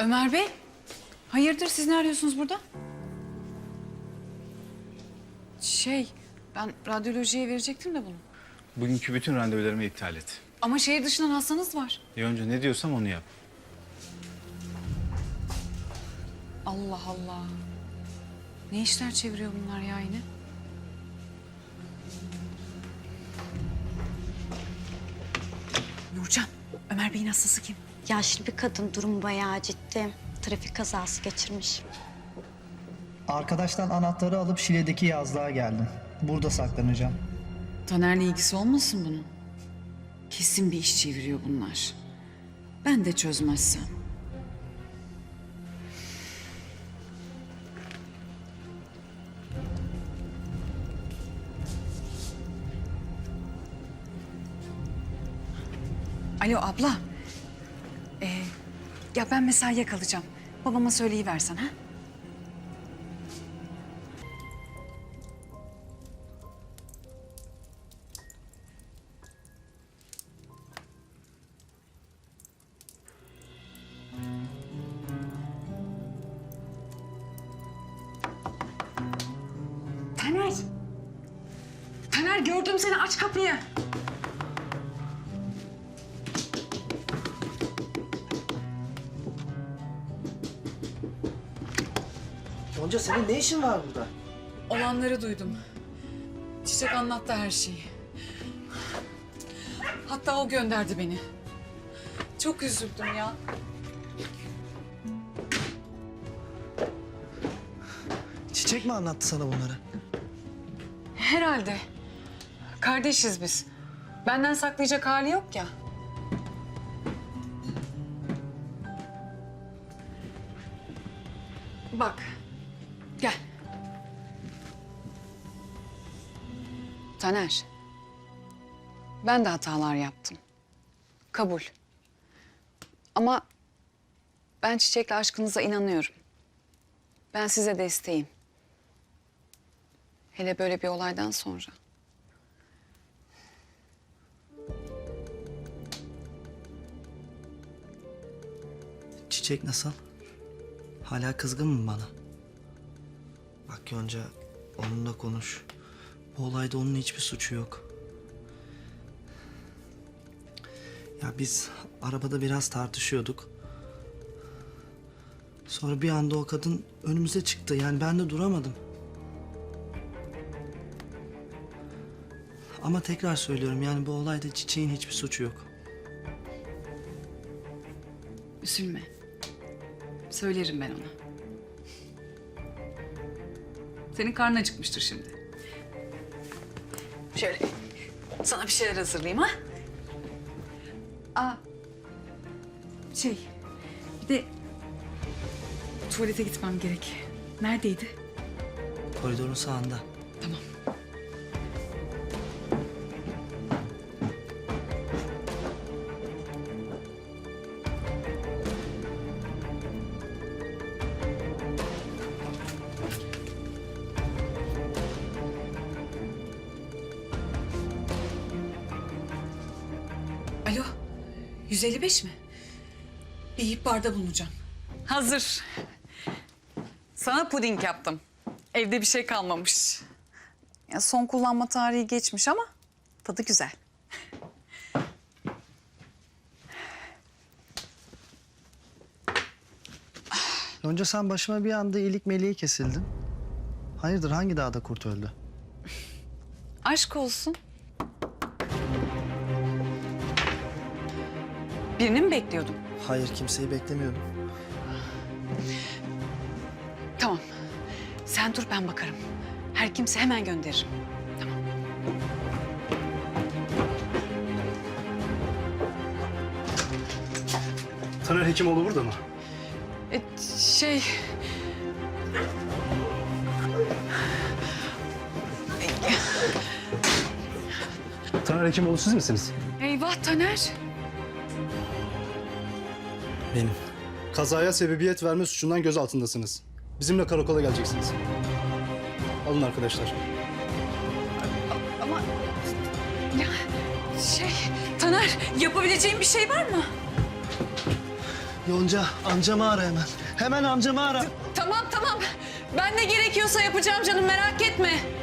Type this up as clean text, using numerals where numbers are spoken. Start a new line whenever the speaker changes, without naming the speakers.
Ömer Bey, hayırdır siz ne arıyorsunuz burada? Ben radyolojiye verecektim de bunu.
Bugünkü bütün randevularımı iptal et.
Ama şehir dışından hastanız var.
Yonca ne diyorsam onu yap.
Allah Allah. Ne işler çeviriyor bunlar ya yine? Nurcan, Ömer Bey'in hastası kim?
Yaşlı bir kadın, durumu bayağı ciddi. Trafik kazası geçirmiş.
Arkadaştan anahtarı alıp Şile'deki yazlığa geldim. Burada saklanacağım.
Taner'le ilgisi olmasın bunun? Kesin bir iş çeviriyor bunlar. Ben de çözmezsem. Alo abla. Ya ben mesaiye kalacağım. Babama söyleyiversen ha? Taner. Taner gördüm seni, aç kapıyı.
Yonca senin ne işin var burada?
Olanları duydum. Çiçek anlattı her şeyi. Hatta o gönderdi beni. Çok üzüldüm ya.
Çiçek mi anlattı sana bunları?
Herhalde. Kardeşiz biz. Benden saklayacak hali yok ya. Bak. Gel. Taner. Ben de hatalar yaptım. Kabul. Ama ben Çiçek'le aşkınıza inanıyorum. Ben size desteğim. Hele böyle bir olaydan sonra.
Çiçek nasıl? Hala kızgın mı bana? Bak Yonca, onunla konuş. Bu olayda onun hiçbir suçu yok. Ya biz arabada biraz tartışıyorduk. Sonra bir anda o kadın önümüze çıktı. Yani ben de duramadım. Ama tekrar söylüyorum, yani bu olayda Çiçek'in hiçbir suçu yok.
Üzülme. Söylerim ben ona. Senin karnın acıkmıştır şimdi. Şöyle sana bir şeyler hazırlayayım ha. Aa, bir de tuvalete gitmem gerek. Neredeydi?
Koridorun sağında.
Tamam. Alo, 155 mi? Bir ihbarda bulunacağım. Hazır. Sana puding yaptım. Evde bir şey kalmamış. Ya son kullanma tarihi geçmiş ama tadı güzel.
Yonca, sen başıma bir anda iyilik meleği kesildin. Hayırdır, hangi dağda kurt öldü?
Aşk olsun. Birini mi bekliyordun?
Hayır, kimseyi beklemiyordum.
Tamam. Sen dur, ben bakarım. Her kimse hemen gönderirim. Tamam.
Taner Hekimoğlu burada mı?
E, şey...
Taner Hekimoğlu siz misiniz?
Eyvah Taner.
Benim.
Kazaya sebebiyet verme suçundan gözaltındasınız. Bizimle karakola geleceksiniz. Alın arkadaşlar.
Ama... Ya Taner, yapabileceğim bir şey var mı?
Yonca amcamı ara hemen. Hemen amcamı ara.
Tamam tamam. Ben ne gerekiyorsa yapacağım canım, merak etme.